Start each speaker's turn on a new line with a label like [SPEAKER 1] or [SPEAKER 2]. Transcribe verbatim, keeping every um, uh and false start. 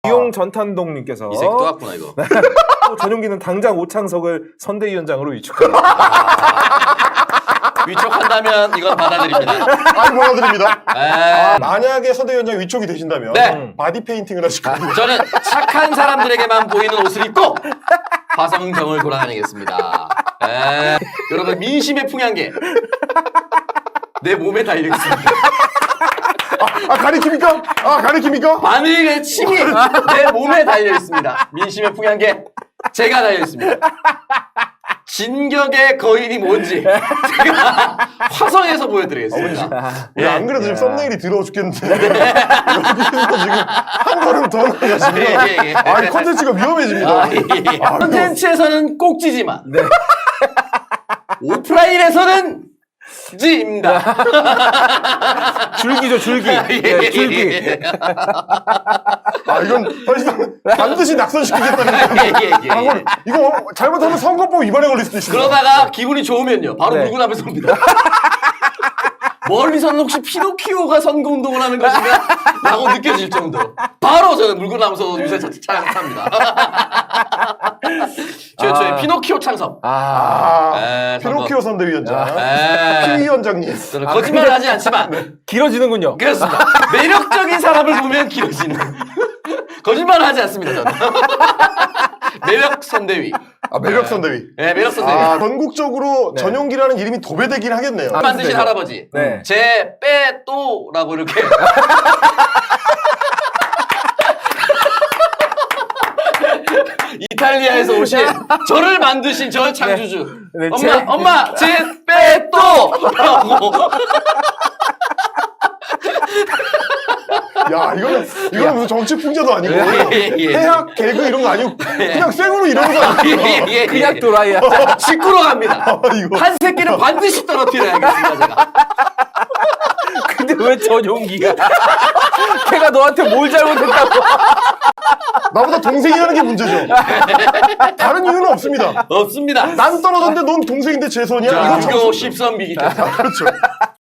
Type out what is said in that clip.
[SPEAKER 1] 이용 전탄동님께서
[SPEAKER 2] 이 새끼 또 왔구나 이거.
[SPEAKER 1] 또 전용기는 당장 오창석을 선대위원장으로 위촉하라.
[SPEAKER 2] 위촉한다면 이건 받아들입니다.
[SPEAKER 3] 아니 받아드립니다.
[SPEAKER 2] 에...
[SPEAKER 3] 만약에 선대위원장 위촉이 되신다면
[SPEAKER 2] 네.
[SPEAKER 3] 바디 페인팅을 하실 겁니다.
[SPEAKER 2] 저는 착한 사람들에게만 보이는 옷을 입고 화성경을 돌아다니겠습니다. 에... 여러분 민심의 풍향계 내 몸에 달려 있습니다.
[SPEAKER 3] 아 가리킵니까? 아 가리킵니까?
[SPEAKER 2] 바늘의 침이 내 몸에 달려 있습니다. 민심의 풍향계 제가 달려 있습니다. 진격의 거인이 뭔지 제가 화성에서 보여드리겠습니다.
[SPEAKER 3] 예, 안 그래도 지금 썸네일이 더러워 죽겠는데 여기서 지금 한 걸음 더 나가시면
[SPEAKER 2] 예, 예, 예.
[SPEAKER 3] 아, 이 컨텐츠가 위험해집니다.
[SPEAKER 2] 아, 예, 예. 콘텐츠에서는 꼭지지만 오프라인에서는 지입니다.
[SPEAKER 1] 줄기죠, 줄기. 예, 줄기.
[SPEAKER 3] 아 이건 더 이상 반드시 낙선시키겠다는
[SPEAKER 2] 예, 예, 예, 예.
[SPEAKER 3] 방금 이거 잘못하면 선거법 위반에 걸릴 수도 있습니다.
[SPEAKER 2] 그러다가 기분이 좋으면요 바로
[SPEAKER 1] 네.
[SPEAKER 2] 물고 나면서 옵니다. 멀리서는 혹시 피노키오가 선거운동을 하는 것인가? 라고 느껴질 정도로 바로 저는 물고 나면서 요새 차량 탑니다. 최초의
[SPEAKER 1] 아.
[SPEAKER 2] 피노키오 창섭.
[SPEAKER 1] 아,
[SPEAKER 2] 에,
[SPEAKER 3] 피노키오 선대위원장,
[SPEAKER 2] 에,
[SPEAKER 3] 피 위원장님.
[SPEAKER 2] 저는 거짓말을 하지 않지만
[SPEAKER 1] 길어지는군요.
[SPEAKER 2] 그렇습니다. 매력적인 사람을 보면 길어지는. 거짓말을 하지 않습니다. 저는. 매력 선대위.
[SPEAKER 3] 아 매력 선대위.
[SPEAKER 2] 네, 매력 선대위.
[SPEAKER 3] 아 전국적으로
[SPEAKER 1] 네.
[SPEAKER 3] 전용기라는 이름이 도배되긴 하겠네요.
[SPEAKER 1] 아,
[SPEAKER 2] 만드신
[SPEAKER 1] 네.
[SPEAKER 2] 할아버지.
[SPEAKER 1] 네.
[SPEAKER 2] 제 빼또라고 이렇게. 이탈리아에서 오신 저를 만드신 저 창조주.
[SPEAKER 1] 네,
[SPEAKER 2] 엄마,
[SPEAKER 1] 제-
[SPEAKER 2] 엄마, 제 빼또라고.
[SPEAKER 3] 야 이거는 이거는 무슨 정치 풍자도 아니고
[SPEAKER 2] 예, 예.
[SPEAKER 3] 해학 개그 이런 거 아니고 그냥 생으로 이러는 거 아니에요?
[SPEAKER 2] 예, 예, 예.
[SPEAKER 1] 그냥 또라이야.
[SPEAKER 2] 짚구러 갑니다.
[SPEAKER 3] 아, 이거.
[SPEAKER 2] 한 새끼는 반드시 떨어뜨려야겠습니다, 제가.
[SPEAKER 1] 근데 왜 전용기가? 걔가 너한테 뭘 잘못했다고?
[SPEAKER 3] 나보다 동생이라는 게 문제죠. 다른 이유는 없습니다.
[SPEAKER 2] 없습니다.
[SPEAKER 3] 난 떨어졌는데 넌 동생인데 제 손이야?
[SPEAKER 2] 자,
[SPEAKER 3] 이건 참
[SPEAKER 2] 이거
[SPEAKER 3] 없어요.
[SPEAKER 2] 십선비기 때문에.
[SPEAKER 3] 그렇죠.